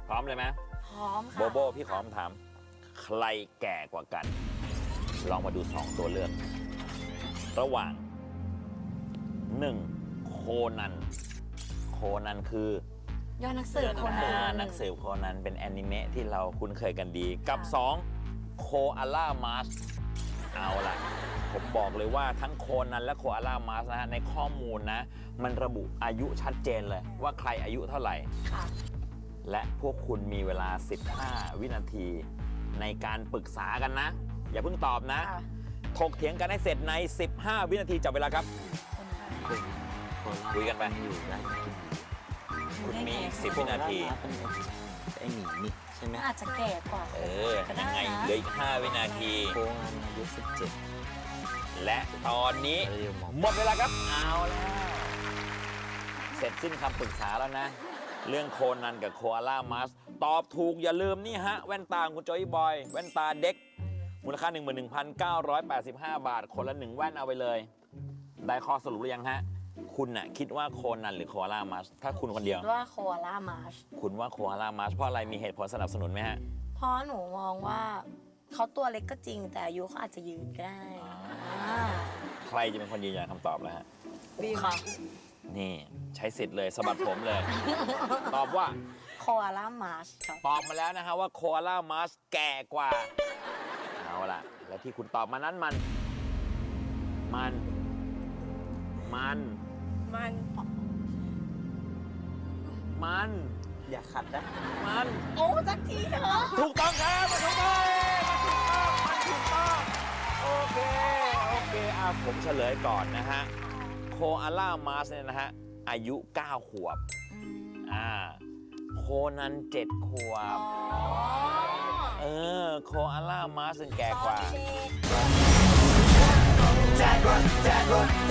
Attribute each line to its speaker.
Speaker 1: พร้อมเลยไหม
Speaker 2: พร้อมค่ะ
Speaker 1: โบโบพี่ขอคำถาม ใครแก่กว่ากัน ลองมาดู 2 ตัวเลือก ระหว่าง 1. โคนัน โคนันคือย
Speaker 2: อดนักสืบคนนั้น
Speaker 1: นักสืบโคนันเป็นแอนิเมะที่เราคุ้นเคยกันดี กับ 2. โคอาล่ามาสเอาล่ะ ผมบอกเลยว่าทั้งโคนันและโคอาล่ามาสนะฮะในข้อมูลนะ มันระบุอายุชัดเจนเลยว่าใครอายุเท่าไหร่
Speaker 2: ค่ะ
Speaker 1: และพวกคุณมีเวลา 15 วินาที ในการปรึกษากันนะ อย่าเพิ่งตอบนะ
Speaker 2: ค่ะ
Speaker 1: ถกเถียงกันให้เสร็จใน 15 วินาทีจับเวลาครับ
Speaker 2: คนค่ะ
Speaker 1: คุยกันไป
Speaker 3: อยู่ได้กิน
Speaker 1: คุณมีอีก10 วินาที
Speaker 3: เป็นไอหมีนี่ใช่ไหม
Speaker 2: อาจจะแก่กว่า
Speaker 1: เออ ยังไงเหลืออีก 5 วินาที
Speaker 3: โคงันอายุ17
Speaker 1: และตอนนี้
Speaker 3: เรียวหมอ
Speaker 1: หมดเวลาครับ เอาแล้ว เสร็จสิ้นคำปรึกษาแล้วนะ เรื่องโคนันกับโคอาล่ามัสตอบถูกอย่าลืมนี่ฮะ แว่นตาของคุณโจยบอย แว่นตาเด็ก มูลค่า 11,985 บาท คนละ 1 แว่นเอาไปเลย ได้ข้อสรุปหรือยังฮะ คุณน่ะคิดว่าโคนันหรือโคอาล่ามัสถ้าคุณคนเดียว
Speaker 2: ว่าโคอาล่ามาร์ช
Speaker 1: คุณว่าโคอาล่ามัสเพราะอะไรมีเหตุผลสนับสนุนไหมฮะ
Speaker 2: เพราะหนูมองว่าเขาตัวเล็กก็จริง แต่อายุเขาอาจจะยืนก็ได้อ่า
Speaker 1: ใครจะเป็นคนยืนยันคำตอบแล้วฮะ
Speaker 2: ค่ะ
Speaker 1: นี่ใช้สิทธิ์เลยสะบัดผมเลย ตอบว่า
Speaker 2: โคอาล่ามาร์ชครับ
Speaker 1: ตอบมาแล้วนะฮะว่าโคอาล่ามัสแก่กว่า เอาล่ะ และที่คุณตอบมานั้นมัน
Speaker 2: มัน
Speaker 1: มัน
Speaker 3: อย่าขัดนะ
Speaker 1: มัน
Speaker 2: โอ้สักทีเถอะ
Speaker 1: ถูกต้องครับมันถูกต้องมันถูกต้องโอเคผมเฉลยก่อนนะฮะโคอาล่ามัสเนี่ยนะฮะอายุ 9 ขวบ โคนัน 7 ขวบ โคอาล่ามัสแก่กว่า
Speaker 2: ตอนเด็ก